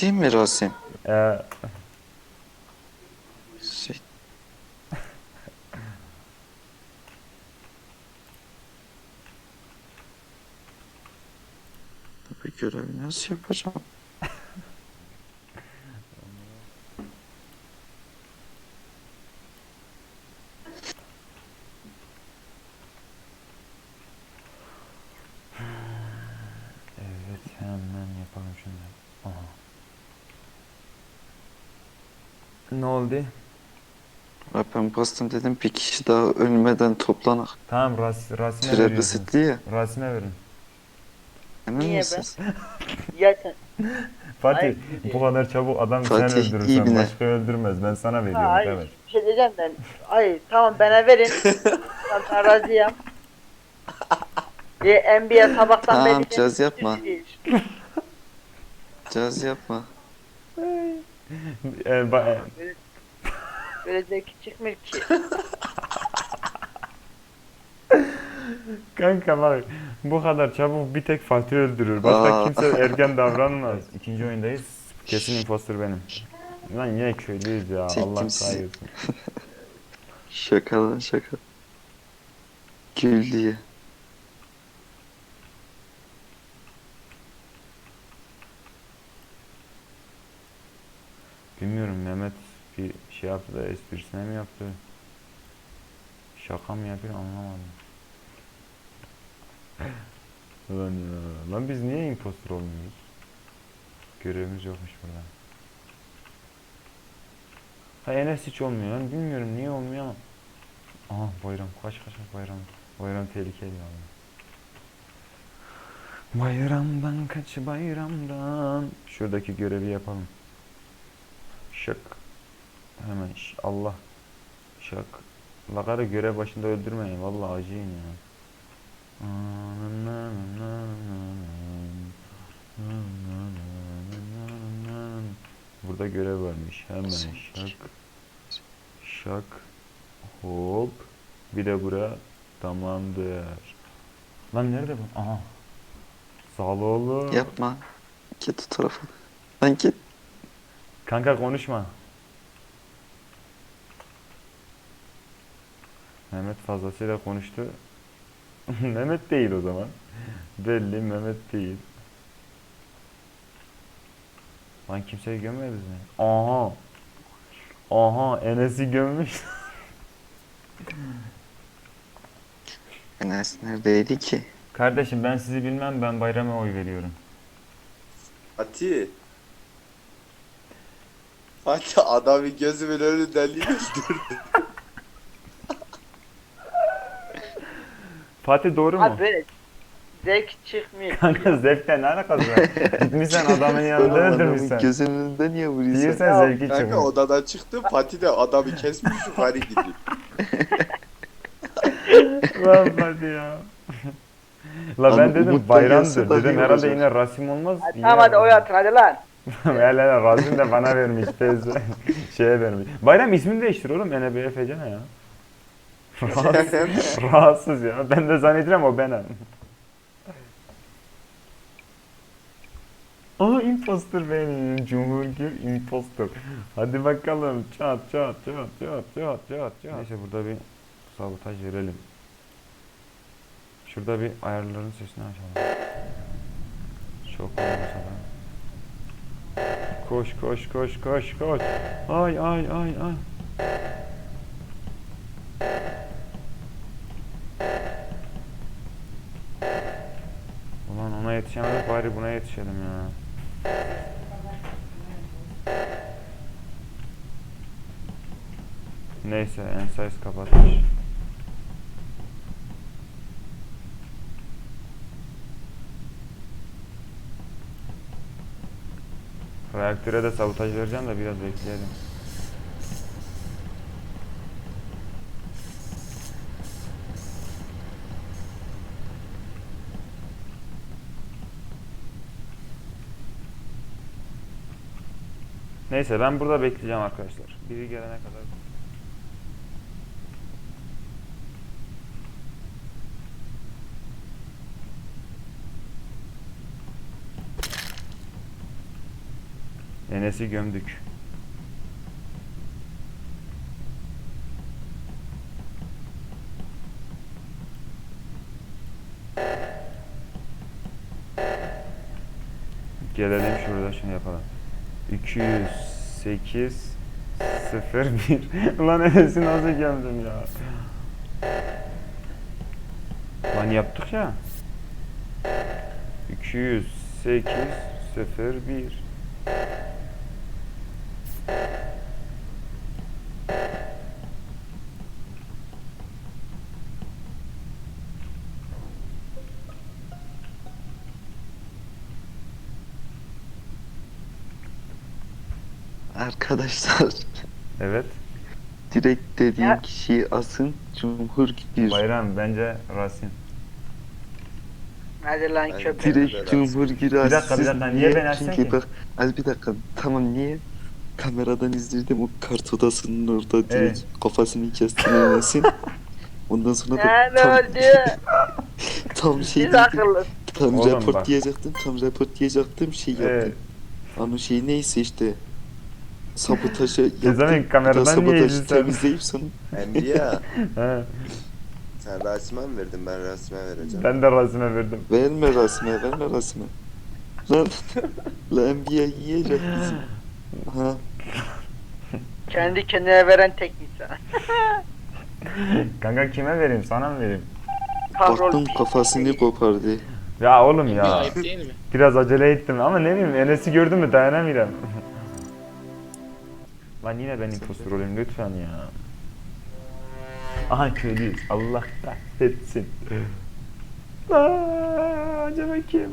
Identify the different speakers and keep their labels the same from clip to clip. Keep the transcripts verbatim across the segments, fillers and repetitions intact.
Speaker 1: Fatih mi Rasim?
Speaker 2: Ee,
Speaker 1: Şey, tabii görevi nasıl yapacağım?
Speaker 2: evet hemen yapalım şunu. Aha. Ne oldu?
Speaker 1: Ya ben bastım dedim bir kişi daha ölmeden toplanak.
Speaker 2: Tamam Ras Rasim'e
Speaker 1: Süre
Speaker 2: veriyorsunuz.
Speaker 1: kısıtlı ya.
Speaker 2: Rasim'e verin.
Speaker 1: Emin
Speaker 3: Niye be?
Speaker 1: misiniz?
Speaker 3: Ya sen
Speaker 2: Fatih
Speaker 3: ayıp
Speaker 2: bu
Speaker 3: değil.
Speaker 2: kadar çabuk adam sen
Speaker 1: Fatih iyi
Speaker 2: öldürürsen
Speaker 1: biner.
Speaker 2: başka öldürmez. Ben sana
Speaker 3: Ha,
Speaker 2: veriyorum
Speaker 3: hayır
Speaker 2: kardeş.
Speaker 3: bir şey diyeceğim ben. Hayır tamam bana verin. Tamam ben razıyım. E, N B A sabahtan beri
Speaker 1: Tamam
Speaker 3: beni
Speaker 1: caz yapma.
Speaker 3: düşürüyor.
Speaker 1: Caz yapma.
Speaker 2: Ee, ba- e,
Speaker 3: Böyle, böyle zevki çıkmıyor ki.
Speaker 2: kanka bak bu kadar çabuk bir tek Fatih öldürür. Başka
Speaker 1: Aa,
Speaker 2: kimse erken davranmaz. İkinci oyundayız. Kesin imposter benim. Lan yine köylüyüz ya. Allah
Speaker 1: çektim sizi.
Speaker 2: kahretsin.
Speaker 1: Şaka lan şaka. Gül diye.
Speaker 2: Bilmiyorum Mehmet bir şey yaptı da esprisine mi yaptı? Şaka mı yapıyor anlamadım. Lan ya. Lan biz niye imposter olmuyoruz? Görevimiz yokmuş burada. Ha Enes hiç olmuyor lan. Bilmiyorum niye olmuyor ama. Aha bayram. Kaç kaç kaç bayram. Bayram tehlikeli ya. Bayramdan kaç bayramdan. Şuradaki görevi yapalım. Şak. Hemen ş- Allah. Şak. Lagarı görev başında öldürmeyin. Vallahi acıyın ya. Burada görev varmış. Hemen şak. Şak. Hop. Bir de buraya. Tamamdır. Lan nerede bu? Aha. Sağlıoğlu.
Speaker 1: Yapma. Git o tarafa. Lan git.
Speaker 2: Kanka konuşma. Mehmet fazlasıyla konuştu. Mehmet değil o zaman. Belli Mehmet değil. Lan kimseyi gömmediniz mi? Aha. Aha Enes'i gömmüş.
Speaker 1: Enes neredeydi ki?
Speaker 2: Kardeşim ben sizi bilmem ben Bayram'a oy veriyorum.
Speaker 4: Fatih. Fatih adamı gözümün önünden öldürdü.
Speaker 2: Fatih doğru mu?
Speaker 3: Abi böyle zevk çıkmıyor ki
Speaker 2: Kanka
Speaker 3: ya.
Speaker 2: zevkle ne alakası var? Gitmişsen adamın yanında
Speaker 1: Oğlum adamın
Speaker 2: öldürmüşsen.
Speaker 1: gözünün önünde niye vuruyorsun?
Speaker 2: Diyorsan
Speaker 3: Ya
Speaker 2: zevki
Speaker 4: Kanka
Speaker 2: çıkmış.
Speaker 4: odadan çıktım Fatih de adamı kesmiş yukarı gidiyor.
Speaker 2: Lan Fatih ya. La
Speaker 1: Abi
Speaker 2: ben dedim
Speaker 1: Umut da
Speaker 2: bayramdır.
Speaker 1: gelse daha
Speaker 2: Dedim
Speaker 1: iyi
Speaker 2: herhalde
Speaker 1: olacak.
Speaker 2: yine Rasim olmaz.
Speaker 3: Hadi
Speaker 2: Yine
Speaker 3: tamam hadi oy atın hadi lan.
Speaker 2: Hele Rasim de bana vermiş. Tez şeye vermiş. Bayram ismini değiştir oğlum. N B F C ne ya? Rahatsız, rahatsız ya. Ben de zannediyorum o benim. Aa imposter benim. Cumhurgül imposter. Hadi bakalım. Çat çat çat çat çat çat çat. Neyse burada bir sabotaj verelim. Şurada bir ayarların sesini açalım. Çok olmasa da. Koş koş koş koş koş. Ay ay ay ay. Ulan ona yetişemedik bari buna yetişelim ya. Neyse Ensize kapatmış. Reaktöre de sabotaj vereceğim de biraz bekleyelim. Neyse ben burada bekleyeceğim arkadaşlar. Biri gelene kadar. Enes'i gömdük. Gelelim şurada şunu yapalım. iki yüz sekiz sıfır bir. Ulan Enes'i nasıl gömdüm ya? Lan yaptık ya. iki yüz sekiz sıfır bir.
Speaker 1: Arkadaşlar
Speaker 2: Evet.
Speaker 1: direkt dediğim
Speaker 3: Ya.
Speaker 1: kişiyi asın. Cumhur gir.
Speaker 2: Bayram bence Rasim.
Speaker 3: Hadi lan
Speaker 4: Ben-
Speaker 3: köpek.
Speaker 1: Direkt
Speaker 4: Biraz.
Speaker 1: Cumhur gir.
Speaker 2: Bir dakika, bir dakika, niye ben asın
Speaker 1: Çünkü
Speaker 2: ki?
Speaker 1: bak az bir dakika tamam niye? Kameradan izledim o kart odasının orada direkt kafasını kestin Enes'in. Ondan sonra da
Speaker 3: Ne ne
Speaker 1: tam,
Speaker 3: oldu?
Speaker 1: tam şey
Speaker 3: Siz
Speaker 1: dedim.
Speaker 3: akıllısınız.
Speaker 1: Tam
Speaker 2: Oğlum
Speaker 1: rapor
Speaker 2: bak.
Speaker 1: diyecektim. Tam rapor diyecektim şey yaptım.
Speaker 2: Evet.
Speaker 1: Onun şey neyse işte sabotajı yaptım.
Speaker 2: zaman
Speaker 1: Bir daha
Speaker 2: kameradan niye
Speaker 1: sabotajı
Speaker 2: izledin?
Speaker 1: temizleyip sonra
Speaker 4: Enbiya.
Speaker 2: He,
Speaker 4: Sen Rasim'e mi verdin? Ben Rasim'e vereceğim.
Speaker 2: ben de Rasim'e verdim.
Speaker 1: verme rasme verme rasme. Lan lan N B A yiyecek bizi. Ha
Speaker 3: Kendi kendine veren tek insan.
Speaker 2: Kanka kime vereyim? Sana mı vereyim?
Speaker 1: baktım
Speaker 3: Kahrol.
Speaker 1: kafasını kopardı.
Speaker 2: Ya oğlum
Speaker 5: Bir
Speaker 2: ya.
Speaker 5: ayıp değil mi?
Speaker 2: Biraz acele ettim ama ne bileyim Enes'i gördün mü dayanamıyorum. Lan yine ben impostor olayım lütfen ya. Aha köylüyüz. Allah kahretsin. Aa, acaba kim?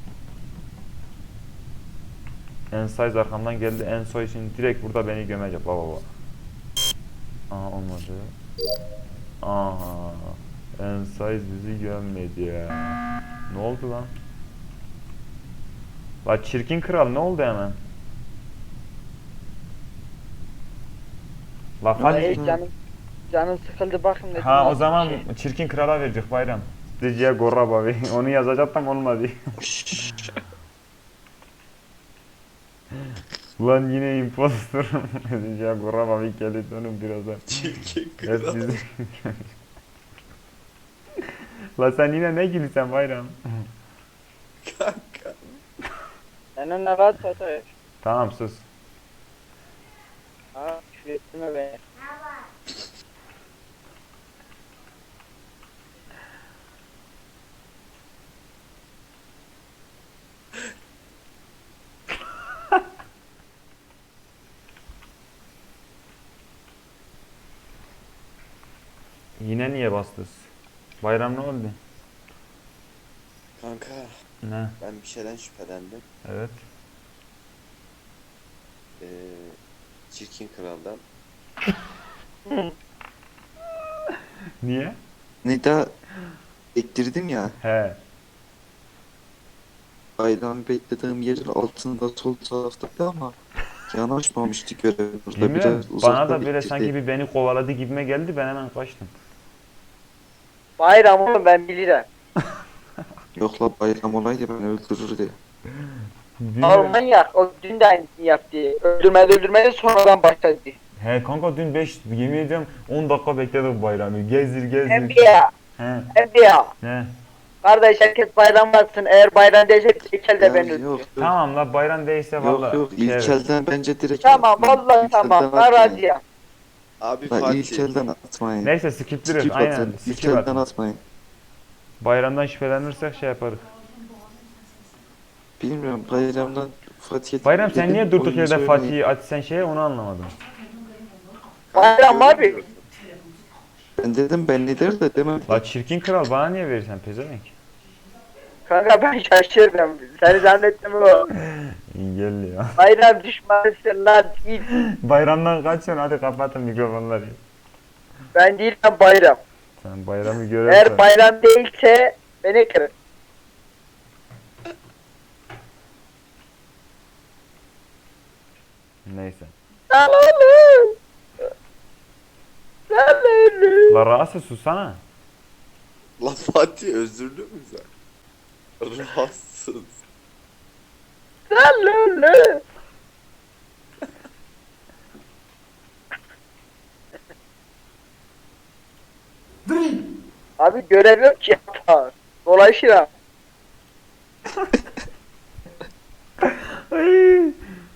Speaker 2: Ensize arkamdan geldi. Ensoy şimdi direkt burada beni gömecek. Baba baba. Aha olmadı. Aha. Ensize bizi gömmedi ya. Ne oldu lan? La çirkin kral ne oldu hemen? La
Speaker 3: Ay,
Speaker 2: hadi.
Speaker 3: canım, canım sıkıldı bakın dedim.
Speaker 2: Ha o
Speaker 3: nasıl
Speaker 2: zaman
Speaker 3: bir şey.
Speaker 2: çirkin krala verecek bayram. Diciye Gorra Babi. Onu yazacaktım olmadı. Ulan yine impostor. Diciye Gorra Babi geldi onun birazdan.
Speaker 4: Çirkin
Speaker 2: Hep
Speaker 4: kral.
Speaker 2: bizi. La sen yine ne gülüyorsun bayram?
Speaker 4: Kanka.
Speaker 3: Senin ne rahat satıyor.
Speaker 2: Tamam sus.
Speaker 3: Ha şu etme be.
Speaker 2: Yine niye bastız? Bayram ne oldu?
Speaker 4: Kanka.
Speaker 2: Ne?
Speaker 4: Ben bir şeyden şüphelendim.
Speaker 2: Evet.
Speaker 4: Ee, çirkin kraldan.
Speaker 2: Niye?
Speaker 1: Nida bektirdim ya.
Speaker 2: He.
Speaker 1: Bayramı beklediğim yerin altında sol taraftaydı ama yanaşmamıştı görev burada.
Speaker 2: Yemin ederim,
Speaker 1: Biraz
Speaker 2: bana
Speaker 1: uzakta
Speaker 2: da böyle
Speaker 1: bektirdi.
Speaker 2: sanki bir beni kovaladı gibime geldi ben hemen kaçtım.
Speaker 3: Bayram oğlum ben bilirim.
Speaker 1: Yok la bayram olaydı beni öldürürdü.
Speaker 3: Oğlum manyak. O dün de aynısını yaptı. Öldürmedi öldürmedi sonradan başladı.
Speaker 2: He kanka dün beş yemin ediyorum on dakika bekledim bayramı. Gezdir gezdir.
Speaker 3: Enbiya.
Speaker 2: He.
Speaker 3: Enbiya.
Speaker 2: Ne?
Speaker 3: Kardeş herkes bayram batsın. Eğer bayram değilse İlkel de
Speaker 1: Ya
Speaker 3: ben
Speaker 1: yok
Speaker 3: öldürürüm.
Speaker 1: yok.
Speaker 2: Tamam la bayram değilse
Speaker 1: Yok
Speaker 2: valla.
Speaker 1: yok
Speaker 2: şey evet.
Speaker 1: İlkel'den bence direkt
Speaker 3: Tamam
Speaker 1: atmayın.
Speaker 3: vallahi
Speaker 1: İlkel'den
Speaker 3: tamam. Ben
Speaker 1: atmayın.
Speaker 3: razıyım.
Speaker 4: Abi
Speaker 1: La
Speaker 4: Fatih.
Speaker 1: İlkel'den atmayın.
Speaker 2: Neyse skiptirir
Speaker 1: Skip
Speaker 2: aynen.
Speaker 1: atın.
Speaker 2: Skip
Speaker 1: İlkel'den
Speaker 2: atın.
Speaker 1: atmayın.
Speaker 2: Bayramdan şüphelenirsek şey yaparız.
Speaker 1: Bilmiyorum bayramdan Fatih'e
Speaker 2: Bayram sen
Speaker 1: dedim,
Speaker 2: niye durduk
Speaker 1: oyunu
Speaker 2: yerde
Speaker 1: söylemeyin.
Speaker 2: Fatih'i aç sen şeye onu anlamadım.
Speaker 3: Bayram abi.
Speaker 1: Ben dedim ben lider de demem.
Speaker 2: La çirkin kral bana niye verirsen pezevenk?
Speaker 3: Kanka ben şaşırdım. Seni zannettim o.
Speaker 2: İyi gel ya.
Speaker 3: Bayram düşmanısın lan. Git.
Speaker 2: Bayramdan kaçıyorsun hadi kapatın mikrofonları.
Speaker 3: Ben değilim bayram.
Speaker 2: Sen bayramı
Speaker 3: Eğer
Speaker 2: görürsen.
Speaker 3: bayram değilse beni kırın.
Speaker 2: Neyse.
Speaker 3: Salalım. Salalım.
Speaker 2: La rahatsız susana.
Speaker 4: La Fatih özürlü mü sen? Rahatsız.
Speaker 3: Salalım. Abi görev yok ki yapar. Dolayısıyla
Speaker 2: Ay.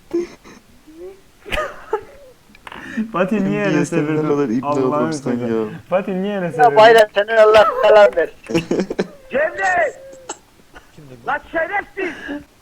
Speaker 2: Fatih niye
Speaker 1: Niye
Speaker 2: Enes'e
Speaker 1: sen ne
Speaker 2: verdin?
Speaker 1: kadar ibne
Speaker 2: Allah'ını
Speaker 1: adamsın
Speaker 2: seversen.
Speaker 1: ya.
Speaker 2: Fatih niye Enes'e
Speaker 3: ya
Speaker 2: verdin?
Speaker 3: bayram senin Allah selam ver. Cemre! Lan şerefsiz!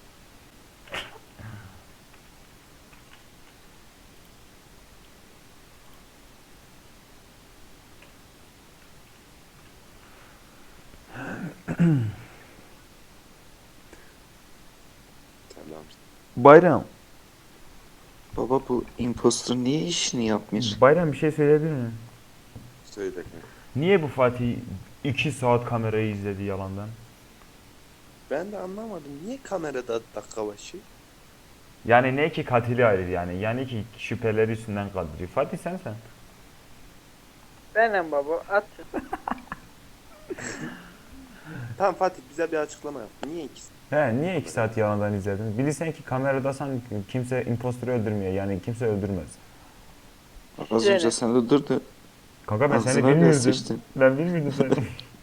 Speaker 4: Tamam.
Speaker 2: Bayram.
Speaker 1: Baba bu impostor niye işini yapmış?
Speaker 2: Bayram bir şey söyleyebilir miyim?
Speaker 4: Söyle kanka.
Speaker 2: Niye bu Fatih iki saat kamerayı izledi yalandan?
Speaker 4: Ben de anlamadım. Niye kamerada dakika başı?
Speaker 2: Yani ne ki katili ayrı yani. Yani ki şüpheleri üstünden kaldırıyor. Fatih sen sen.
Speaker 3: Benim baba at.
Speaker 4: Tamam Fatih bize bir açıklama yap. Niye ikisi?
Speaker 2: He niye iki saat yalandan izledin? Bilirsen ki kameradasan kimse impostörü öldürmüyor. Yani kimse öldürmez.
Speaker 1: Az önce sen öldürdün.
Speaker 2: Kanka ben seni
Speaker 1: Ağzına bile
Speaker 2: bilmiyordum.
Speaker 1: sıçtın.
Speaker 2: Ben bilmiyordum seni.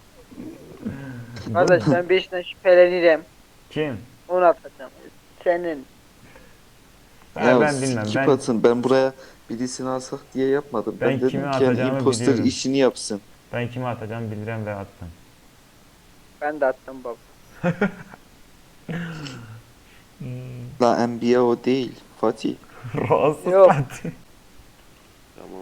Speaker 3: Kardeş ben birisinden şüphelenirim.
Speaker 2: Kim?
Speaker 3: Onu atacağım. Senin.
Speaker 2: Ha,
Speaker 1: Ya
Speaker 2: ben bilmem.
Speaker 1: skip
Speaker 2: Ben,
Speaker 1: atın. Ben buraya birisini alsak diye yapmadım. Ben,
Speaker 2: Ben
Speaker 1: dedim
Speaker 2: kimi
Speaker 1: ki yani
Speaker 2: atacağımı
Speaker 1: impostor
Speaker 2: biliyorum.
Speaker 1: işini yapsın.
Speaker 2: ben kime atacağımı bildiren ve attım.
Speaker 3: Ben de attım baba.
Speaker 1: La N B A o değil. Fatih.
Speaker 2: Rahatsız
Speaker 3: Yok.
Speaker 2: Fatih.
Speaker 4: Tamam.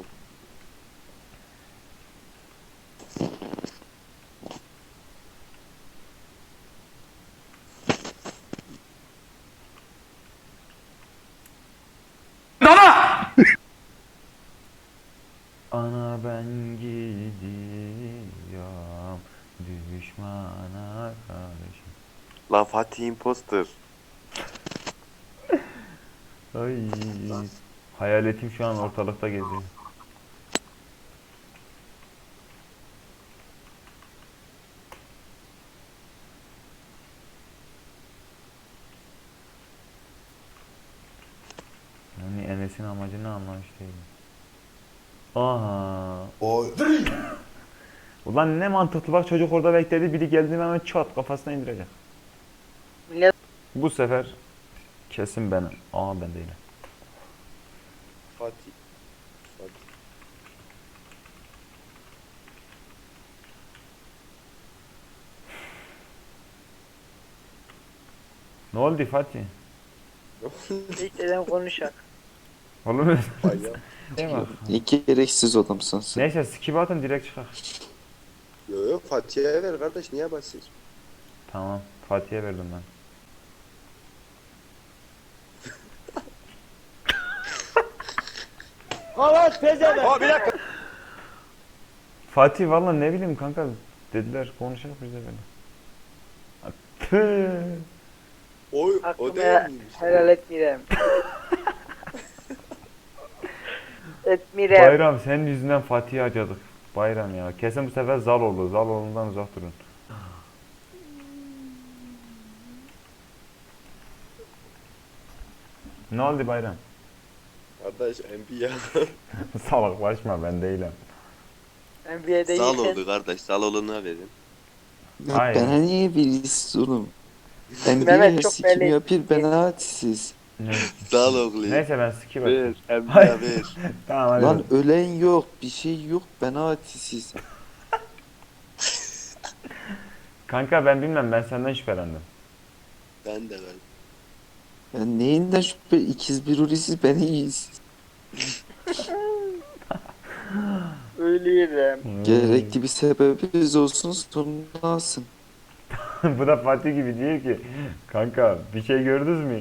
Speaker 2: Ana ben gidiyorum düşmana karşı.
Speaker 4: La Fatih imposter.
Speaker 2: Ay. Hayaletim şu an ortalıkta geziyor. Yani Enes'in amacını anlamış değilim. Aha.
Speaker 4: Oy.
Speaker 2: Ulan ne mantıklı bak çocuk orada bekledi biri geldi hemen çat kafasına indirecek.
Speaker 3: Millet
Speaker 2: Bu sefer kesin benim. Aa ben değilim.
Speaker 4: Fatih. Fatih.
Speaker 2: Ne oldu Fatih?
Speaker 3: ilk dedim konuşak.
Speaker 2: Oğlum
Speaker 4: Bayağı.
Speaker 2: ne bak.
Speaker 1: Ne gereksiz adamsın sen.
Speaker 2: Neyse skip atın direkt çıkar.
Speaker 4: Yok yok Fatih'e ver kardeş niye basıyorsun?
Speaker 2: Tamam Fatih'e verdim ben.
Speaker 4: Aa bir dakika.
Speaker 2: Fatih valla ne bileyim kanka dediler konuşalım biz de böyle. Tüh.
Speaker 4: Oy o
Speaker 3: Hakkımı
Speaker 4: değil miymiş?
Speaker 3: helal etmirem. Etmirem.
Speaker 2: Bayram senin yüzünden Fatih'i acıdık. Bayram ya. Kesin bu sefer Zaloğlu. Zaloğlu'ndan uzak durun. Ne oldu Bayram?
Speaker 4: Kardeş N B A.
Speaker 2: Salaklaşma ben değilim.
Speaker 3: N B A'de
Speaker 4: Zal
Speaker 3: iyisin.
Speaker 4: oldu kardeş. Zaloğlu'na verin.
Speaker 1: Ya
Speaker 2: Aynen.
Speaker 1: bana niye birisi oğlum? N B
Speaker 3: Mehmet
Speaker 1: A
Speaker 3: çok
Speaker 1: sikim
Speaker 3: belli.
Speaker 1: yapıyor bana atsiz.
Speaker 2: Ne?
Speaker 4: Zaloğlu.
Speaker 2: Neyse ben skip
Speaker 4: Ver.
Speaker 2: atayım.
Speaker 4: N B A ver.
Speaker 2: Tamam hadi.
Speaker 1: Lan ölen yok, bir şey yok, bana atsiz.
Speaker 2: Kanka ben bilmem ben senden şüphelendim.
Speaker 4: Ben de ver.
Speaker 1: Ya neyinden şüphe, ikiz bir urisiz beni iyiyiz.
Speaker 3: Ölüyorum.
Speaker 2: Hmm.
Speaker 1: Gerekli bir sebebimiz olsun sonra alsın.
Speaker 2: Bu da Fatih gibi diyor ki kanka bir şey gördünüz mü?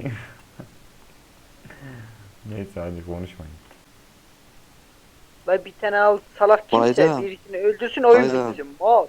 Speaker 2: Neyse hadi konuşmayın.
Speaker 3: La bir tane al salak kimse
Speaker 1: Bayram.
Speaker 3: birisini öldürsün oyun
Speaker 1: Bayram.
Speaker 3: bizim. Mal.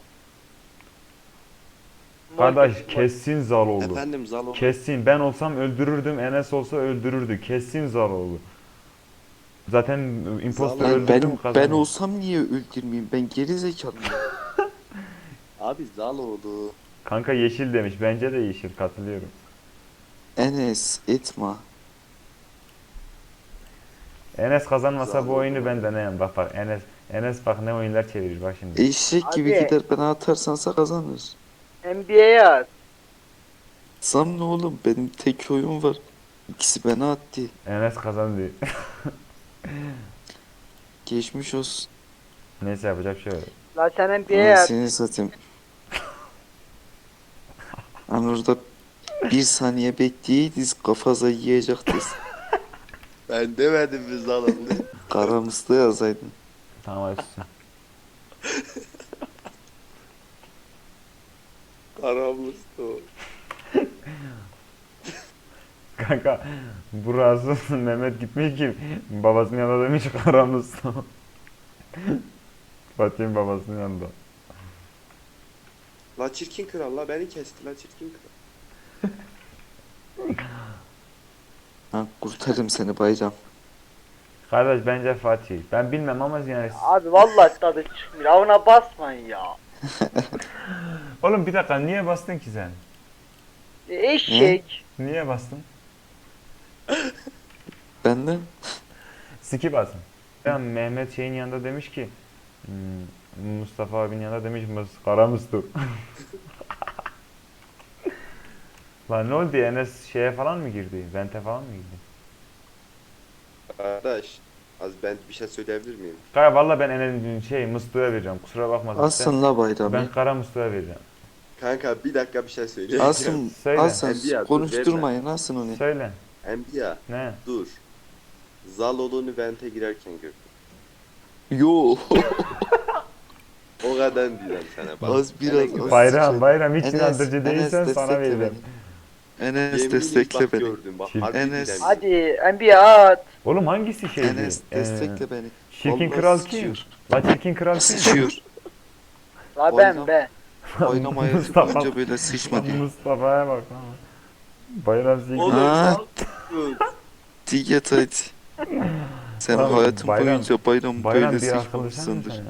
Speaker 3: Mal
Speaker 2: Kardeş
Speaker 3: gibi, mal.
Speaker 2: kesin Zaloğlu.
Speaker 4: Efendim Zaloğlu.
Speaker 2: Kesin ben olsam öldürürdüm Enes olsa öldürürdü. Kesin Zaloğlu. Zaten imposter
Speaker 4: Zaloğlu.
Speaker 1: Lan
Speaker 2: öldürdüm
Speaker 1: ben, ben
Speaker 2: kazandım.
Speaker 1: olsam niye öldürmeyeyim? Ben geri zekalıyım.
Speaker 4: Abi Zaloğlu.
Speaker 2: Kanka yeşil demiş. Bence de yeşil katılıyorum.
Speaker 1: Enes etme.
Speaker 2: Enes kazanmasa bu
Speaker 4: Zaloğlu.
Speaker 2: oyunu ben deneyim. Bak bak Enes Enes bak ne oyunlar çevirir bak şimdi.
Speaker 1: Eşek gibi
Speaker 3: Abi.
Speaker 1: gider bana atarsansa kazanır.
Speaker 3: N B A'ye at.
Speaker 1: Sam ne oğlum benim tek oyun var. İkisi bana attı.
Speaker 2: Enes kazandı.
Speaker 1: Geçmiş olsun.
Speaker 2: Neyse yapacak bir şey yok.
Speaker 3: La sen N B A'ye at.
Speaker 1: Seni satayım. Hani orada bir saniye bekleyeydiniz kafaza yiyecektiniz.
Speaker 4: Ben demedim mi zalimle?
Speaker 1: Karamızda yazaydın.
Speaker 2: Tamam hadi susun.
Speaker 4: Aramızda o.
Speaker 2: Kanka burası Mehmet gitmiş ki babasının yanında demiş aramız. Fatih'in babasının yanında.
Speaker 4: La çirkin kral la beni kesti la çirkin kral.
Speaker 1: Ha, kurtarırım seni bayram.
Speaker 2: Kardeş bence Fatih. Ben bilmem ama yani...
Speaker 3: Abi vallahi tadı çıkmıyor. Avına basmayın ya.
Speaker 2: Oğlum bir dakika niye bastın ki sen?
Speaker 3: E, Eşek.
Speaker 2: Niye bastın?
Speaker 1: Benden
Speaker 2: Skip bastın. Ya Mehmet şeyin yanında demiş ki hmm, Mustafa abinin yanında demiş Mus kara Mustu. Lan ne oldu Enes şeye falan mı girdi? Vente falan mı girdi?
Speaker 4: Kardeş az ben bir şey söyleyebilir miyim?
Speaker 2: Kaya valla ben Enes'in şey Mustu'ya vereceğim. Kusura bakma. sen.
Speaker 1: alsın la bayramı.
Speaker 2: Ben kara Mustu'ya vereceğim.
Speaker 4: Kanka bir dakika bir şey söyleyeceğim.
Speaker 1: Alsın,
Speaker 2: Söyle.
Speaker 1: alsın
Speaker 4: Enbiya, dur,
Speaker 1: konuşturmayın alsın onu.
Speaker 2: Söyle.
Speaker 4: Enbiya
Speaker 2: Ne?
Speaker 4: dur. Zalol'unu vente girerken gördüm.
Speaker 1: Yo.
Speaker 4: O kadar diyeceğim sana bak.
Speaker 1: Az biraz,
Speaker 4: Enes-
Speaker 1: az.
Speaker 2: Bayram bayram hiç
Speaker 1: Enes,
Speaker 2: inandırıcı
Speaker 1: Enes
Speaker 2: değilsen sana
Speaker 1: destekle
Speaker 2: vereceğim.
Speaker 1: beni. Enes
Speaker 4: Yemin
Speaker 1: destekle
Speaker 4: bak
Speaker 1: beni.
Speaker 4: gördüm bak.
Speaker 2: Çirkin.
Speaker 4: Harbi
Speaker 1: Enes.
Speaker 4: bilemem.
Speaker 3: Hadi N B A'ye at.
Speaker 2: Oğlum hangisi şeydi?
Speaker 1: Enes
Speaker 2: Ee,
Speaker 1: destekle beni.
Speaker 2: Çirkin
Speaker 1: Vallahi
Speaker 2: kral kim?
Speaker 1: sıçıyor.
Speaker 2: La çirkin kral kim?
Speaker 1: Sıçıyor.
Speaker 3: La ben
Speaker 1: Bayram.
Speaker 3: be.
Speaker 1: Oynama hayatı
Speaker 2: Mustafa.
Speaker 1: boyunca böyle sıçmadı.
Speaker 2: Mustafa'ya bak lan. Bayram çirkin.
Speaker 4: Oğlum
Speaker 1: Ha.
Speaker 4: bak.
Speaker 1: Diyet hadi. Sen
Speaker 2: Oğlum,
Speaker 1: hayatın
Speaker 2: bayram-
Speaker 1: boyunca bayram,
Speaker 2: Bayram
Speaker 1: böyle
Speaker 2: bir akıllı sen mi
Speaker 1: sıçmamışsındır.
Speaker 2: sen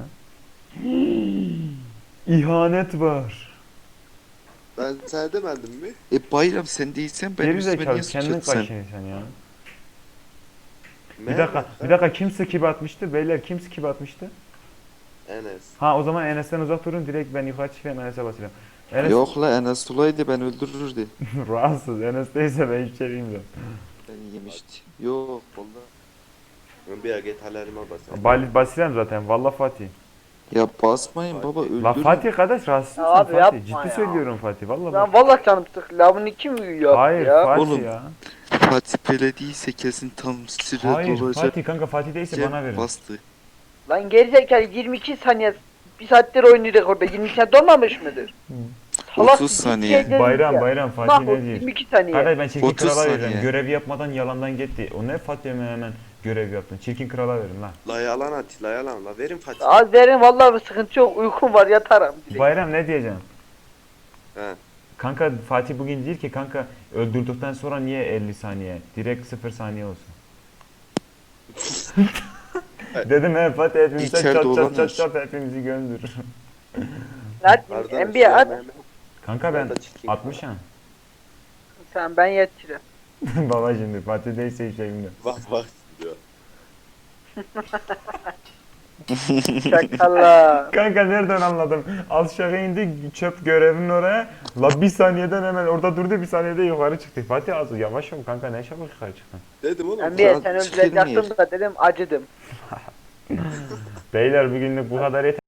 Speaker 2: ya? İhanet var.
Speaker 4: Ben sana demedim mi?
Speaker 1: E bayram sen değilsen ben
Speaker 2: Geri
Speaker 1: üstüme
Speaker 2: zekalı
Speaker 1: niye
Speaker 2: kendin
Speaker 1: sıçıyorsun sen?
Speaker 2: kaşıyorsun sen ya. Bir
Speaker 4: Mehmet,
Speaker 2: dakika, bir dakika kim skip atmıştı? Beyler kim skip atmıştı?
Speaker 4: Enes.
Speaker 2: Ha o zaman Enes'ten uzak durun direkt ben yukarı çıkayım Enes'e basacağım. Enes
Speaker 1: Yok la Enes olaydı ben öldürürdü.
Speaker 2: rahatsız. Enes değilse ben hiçbir şey bilmiyorum.
Speaker 1: Beni yemişti. Yok valla.
Speaker 4: Ben bir git alarma basayım.
Speaker 2: Bal basacağım zaten valla Fatih.
Speaker 1: Ya basmayın baba
Speaker 4: Fatih.
Speaker 1: öldürün.
Speaker 2: La Fatih kardeş rahatsız
Speaker 3: Ya
Speaker 2: mısın
Speaker 3: abi
Speaker 2: Fatih?
Speaker 3: yapma
Speaker 2: Ciddi
Speaker 3: ya.
Speaker 2: söylüyorum Fatih valla bak.
Speaker 3: Lan vallahi canım sık. La bunu kim yaptı
Speaker 2: Hayır
Speaker 3: ya?
Speaker 2: Fatih
Speaker 1: Oğlum,
Speaker 2: ya.
Speaker 1: Fatih Belediyse kesin tam süre
Speaker 2: Hayır
Speaker 1: dolacak.
Speaker 2: Fatih kanka Fatih değilse
Speaker 1: Cem
Speaker 2: bana verin.
Speaker 1: bastı.
Speaker 3: Lan gerizekalı yirmi iki saniye bir saattir oynuyor orada. yirmi iki saniye dolmamış mıdır? Salak
Speaker 1: otuz
Speaker 3: bir
Speaker 1: saniye.
Speaker 3: şey
Speaker 2: Bayram
Speaker 3: ya.
Speaker 2: bayram Fatih
Speaker 3: Mahmut
Speaker 2: ne diyor?
Speaker 3: yirmi iki saniye.
Speaker 2: Kardeş ben çirkin
Speaker 1: otuz
Speaker 2: krala
Speaker 1: saniye.
Speaker 2: vereceğim. Görevi yapmadan yalandan gitti. O ne Fatih hemen hemen görev yaptın. Çirkin krala verin lan.
Speaker 4: La yalan at la yalan la verin Fatih.
Speaker 3: Az verin vallahi bir sıkıntı yok. Uykum var yatarım. direkt.
Speaker 2: Bayram ne diyeceğim?
Speaker 4: He.
Speaker 2: Kanka Fatih bugün değil ki kanka öldürdükten sonra niye elli saniye? Direkt sıfır saniye olsun. Dedim he Fatih hepimize
Speaker 1: İçeride
Speaker 2: çat çat
Speaker 1: olamaz.
Speaker 2: çat çat hepimizi gömdür.
Speaker 3: Hadi
Speaker 4: Kardeş,
Speaker 3: N B A'ye at.
Speaker 4: Mehmet,
Speaker 2: Kanka ben
Speaker 4: Ben de çirkin
Speaker 2: altmış ya.
Speaker 3: Sen ben yetişirim.
Speaker 2: Baba şimdi Fatih değilse hiç şey bilmiyorum.
Speaker 4: Bak bak diyor.
Speaker 3: Şakala.
Speaker 2: Kanka nereden anladım? Aşağı indi çöp görevinin oraya. La bir saniyeden hemen orada durdu bir saniyede yukarı çıktı. Fatih az yavaş ol kanka ne çabuk yukarı çıktın.
Speaker 4: Dedim oğlum.
Speaker 3: N B A
Speaker 1: Saat
Speaker 3: sen
Speaker 1: çıkıyor mu
Speaker 3: öldürecektin da dedim acıdım.
Speaker 2: Beyler bugünlük bu kadar yeter.